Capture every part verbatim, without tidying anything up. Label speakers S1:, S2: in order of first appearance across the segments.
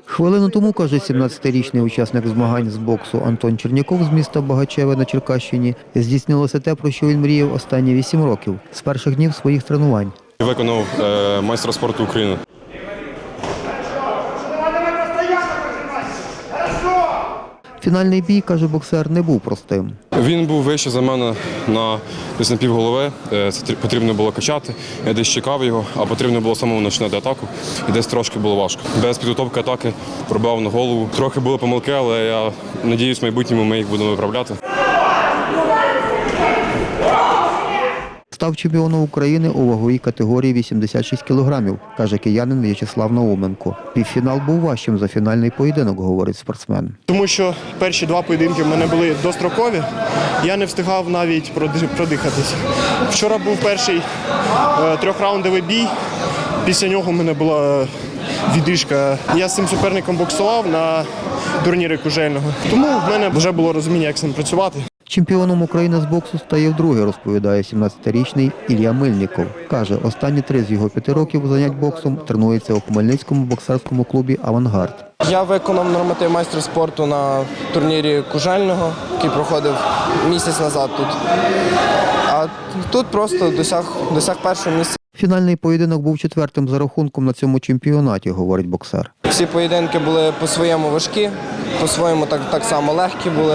S1: Хвилину тому, каже сімнадцятирічний учасник змагань з боксу Антон Черняков з міста Багачеве на Черкащині, здійснилося те, про що він мріяв останні вісім років – з перших днів своїх тренувань.
S2: Виконав е, майстра спорту України.
S1: Фінальний бій, каже боксер, не був простим.
S2: Він був вище за мене на десь на півголови. Це потрібно було качати. Я десь чекав його, а потрібно було самому починати атаку. І десь трошки було важко. Без підготовки атаки пробив на голову. Трохи були помилки, але я сподіваюся, в майбутньому ми їх будемо виправляти.
S1: Став чемпіоном України у ваговій категорії вісімдесят шість кілограмів, каже киянин В'ячеслав Науменко. Півфінал був важчим за фінальний поєдинок, говорить спортсмен.
S3: Тому що перші два поєдинки в мене були дострокові, я не встигав навіть продихатись. Вчора був перший е, трьохраундовий бій, після нього в мене була відрижка. Я з цим суперником боксував на турнірі Кужельного, тому в мене вже було розуміння, як з ним працювати.
S1: Чемпіоном України з боксу стає вдруге, розповідає сімнадцятирічний Ілля Мильніков. Каже, останні три з його п'яти років занять боксом тренується у Хмельницькому боксерському клубі «Авангард».
S4: Я виконав норматив майстра спорту на турнірі Кужельного, який проходив місяць назад тут. А тут просто досяг, досяг першого місця.
S1: Фінальний поєдинок був четвертим за рахунком на цьому чемпіонаті, говорить боксер.
S4: Всі поєдинки були по-своєму важкі, по-своєму так, так само легкі були.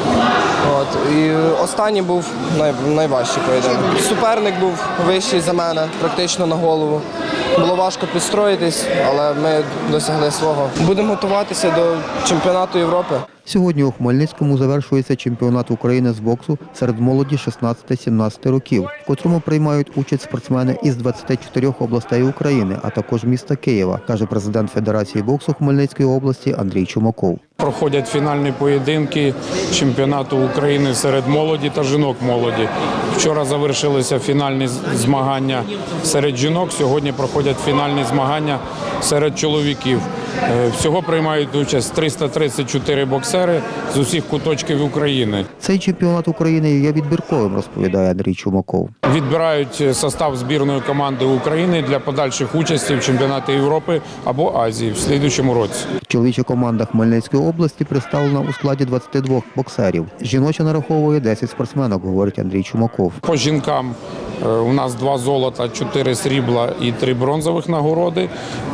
S4: От. І останній був най, найважчий поєдинок. Суперник був вищий за мене, практично на голову. Було важко підстроїтись, але ми досягли свого. Будемо готуватися до чемпіонату Європи.
S1: Сьогодні у Хмельницькому завершується чемпіонат України з боксу серед молоді шістнадцяти-сімнадцяти років, в котрому приймають участь спортсмени із двадцяти чотирьох областей України, а також міста Києва, каже президент Федерації боксу Хмельницької області Андрій Чумаков.
S5: Проходять фінальні поєдинки чемпіонату України серед молоді та жінок молоді. Вчора завершилися фінальні змагання серед жінок, сьогодні проходять фінальні змагання серед чоловіків. Всього приймають участь триста тридцять чотири боксери з усіх куточків України.
S1: Цей чемпіонат України є відбірковим, розповідає Андрій Чумаков.
S5: Відбирають состав збірної команди України для подальших участі в чемпіонаті Європи або Азії в слідуючому році.
S1: Чоловіча команда Хмельницької області представлена у складі двадцяти двох боксерів. Жіноча нараховує десять спортсменок, говорить Андрій Чумаков.
S5: По жінкам у нас два золота, чотири срібла і три бронзових нагороди.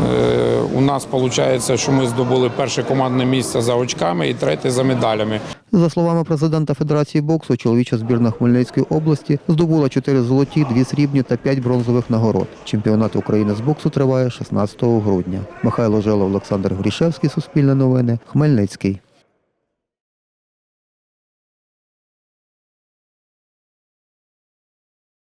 S5: У нас виходить, що ми здобули перше командне місце за очками і третє за медалями.
S1: За словами президента Федерації боксу, чоловіча збірна Хмельницької області здобула чотири золоті, дві срібні та п'ять бронзових нагород. Чемпіонат України з боксу триває шістнадцятого грудня. Михайло Желов, Олександр Грішевський, Суспільне новини, Хмельницький.